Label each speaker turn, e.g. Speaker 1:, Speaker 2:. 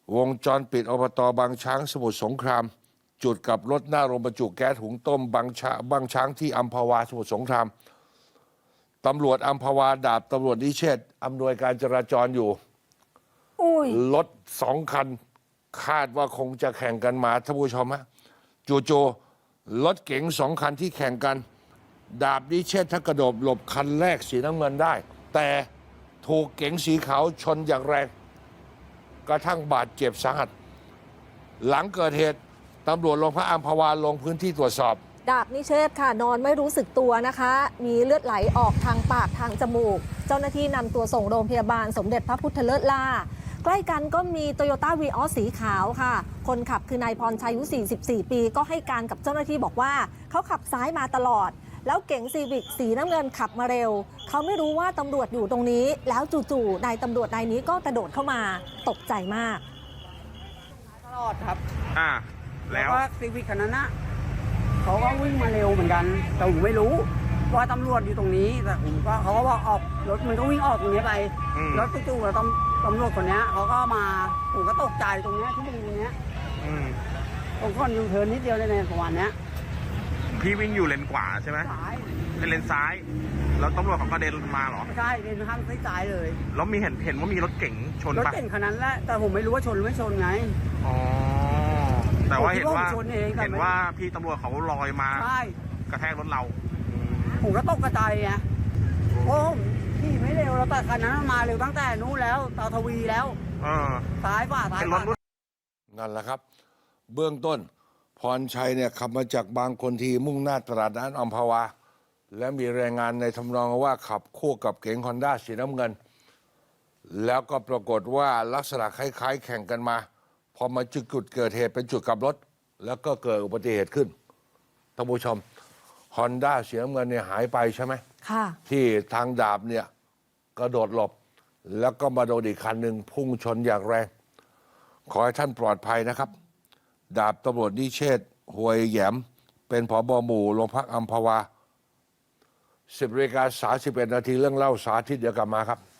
Speaker 1: วงจรปิดอบตบางช้างสมุทรสงคราม จุดกับรถหน้าโรงบรรจุแก๊สหุงต้มบางช้างที่อัมพวาสมุทรสงครามตำรวจอัมพวาดาบตำรวจนิเชษฐ์อำนวยการจราจรอยู่รถ2 คันคาดว่าคงจะแข่งกันมาท่านผู้ชมฮะจู่ๆรถเก๋ง2 คันที่แข่งกันดาบนิเชษฐ์ถ้ากระโดดหลบคันแรกสีน้ำเงินได้ แต่ถูกเก๋งสีขาวชนอย่างแรงกระทั่งบาดเจ็บสาหัสหลังเกิดเหตุตำรวจโรงพักอัมพวาลงพื้นที่ตรวจสอบ
Speaker 2: ดาบนิเชษฐ์ค่ะนอนไม่รู้สึกตัวนะคะมีเลือดไหลออกทางปากทางจมูกเจ้าหน้าที่นำตัวส่งโรงพยาบาลสมเด็จพระพุทธเลิศล่าใกล้กันก็มีโตโยต้าวีออสสีขาวค่ะคนขับคือนายพรชัยอายุ44 ปีก็ให้การกับเจ้าหน้าที่บอกว่าเขาขับซ้ายมาตลอดแล้วเก๋งซีวิกสีน้ำเงินขับมาเร็วเขาไม่รู้ว่าตำรวจอยู่ตรงนี้แล้วจู่ๆนายตำรวจนายนี้ก็กระโดดเข้ามาตกใจมาก
Speaker 3: ตลอดครับ
Speaker 4: แล้ว
Speaker 3: ก็ซีวิกคันนั้นนะเขาก็วิ่งมาเร็วเหมือนกันแต่ผมไม่รู้ว่าตำรวจอยู่ตรงนี้แต่ผมก็เขาก็บอกออกรถมันก็วิ่งออกตรงนี้ไปแล้วจู่ๆแล้วตำรวจคนนี้เขาก็มาผมก็ตกใจตรงนี้ที่ตรงนี้ตรงคนยูเทิร์นนิดเดียวในประมาณนี้
Speaker 4: พี่วิ่งอยู่เลนขวาใช่ไหมเป็นเลนซ้ายแล้วตำรวจเขาก็เดินมาเหรอ
Speaker 3: ใช่เดินข้างซ้ายเลย
Speaker 4: แล้วมีเห็นว่ามีรถเก๋งชน
Speaker 3: รถเก๋งคันนั้นแหละแต่ผมไม่รู้ว่าชนหรือไม่ชนไง
Speaker 4: อ๋อแต่ว่าเห็นว่าพี่ตำรวจเขาลอยมากระแทกรถเรา
Speaker 3: ผมก็ตกกระจายไงโอ้พี่ไม่เร็วแล้วแต่คันนั้นมาเร็วตั้งแต่นู้นแล้วตาทวีแล้วซ้ายฝ่า
Speaker 1: นั่นแหละครับเบื้องต้นพรชัยเนี่ยขับมาจากบางคนทีมุ่งหน้าตลาดน้ำอัมพวาและมีรายงานในทำนองว่าขับคู่กับเก๋งฮอนด้าสีน้ำเงินแล้วก็ปรากฏว่าลักษณะคล้ายๆแข่งกันมาพอมาจุดเกิดเหตุเป็นจุดกลับรถแล้วก็เกิดอุบัติเหตุขึ้นท่านผู้ชมฮอนด้าสีน้ำเงินเนี่ยหายไปใช่ไหม
Speaker 2: ค่ะ
Speaker 1: ที่ทางดาบเนี่ยกระโดดหลบแล้วก็มาโดนอีกคันหนึ่งพุ่งชนอย่างแรงขอให้ท่านปลอดภัยนะครับดาบตำรวจนิเชษฐ์หวยแหยมเป็นผบ.หมู่โรงพักอัมพวา 10:31 นาทีเรื่องเล่าสาธิตเดี๋ยวกลับมาครับ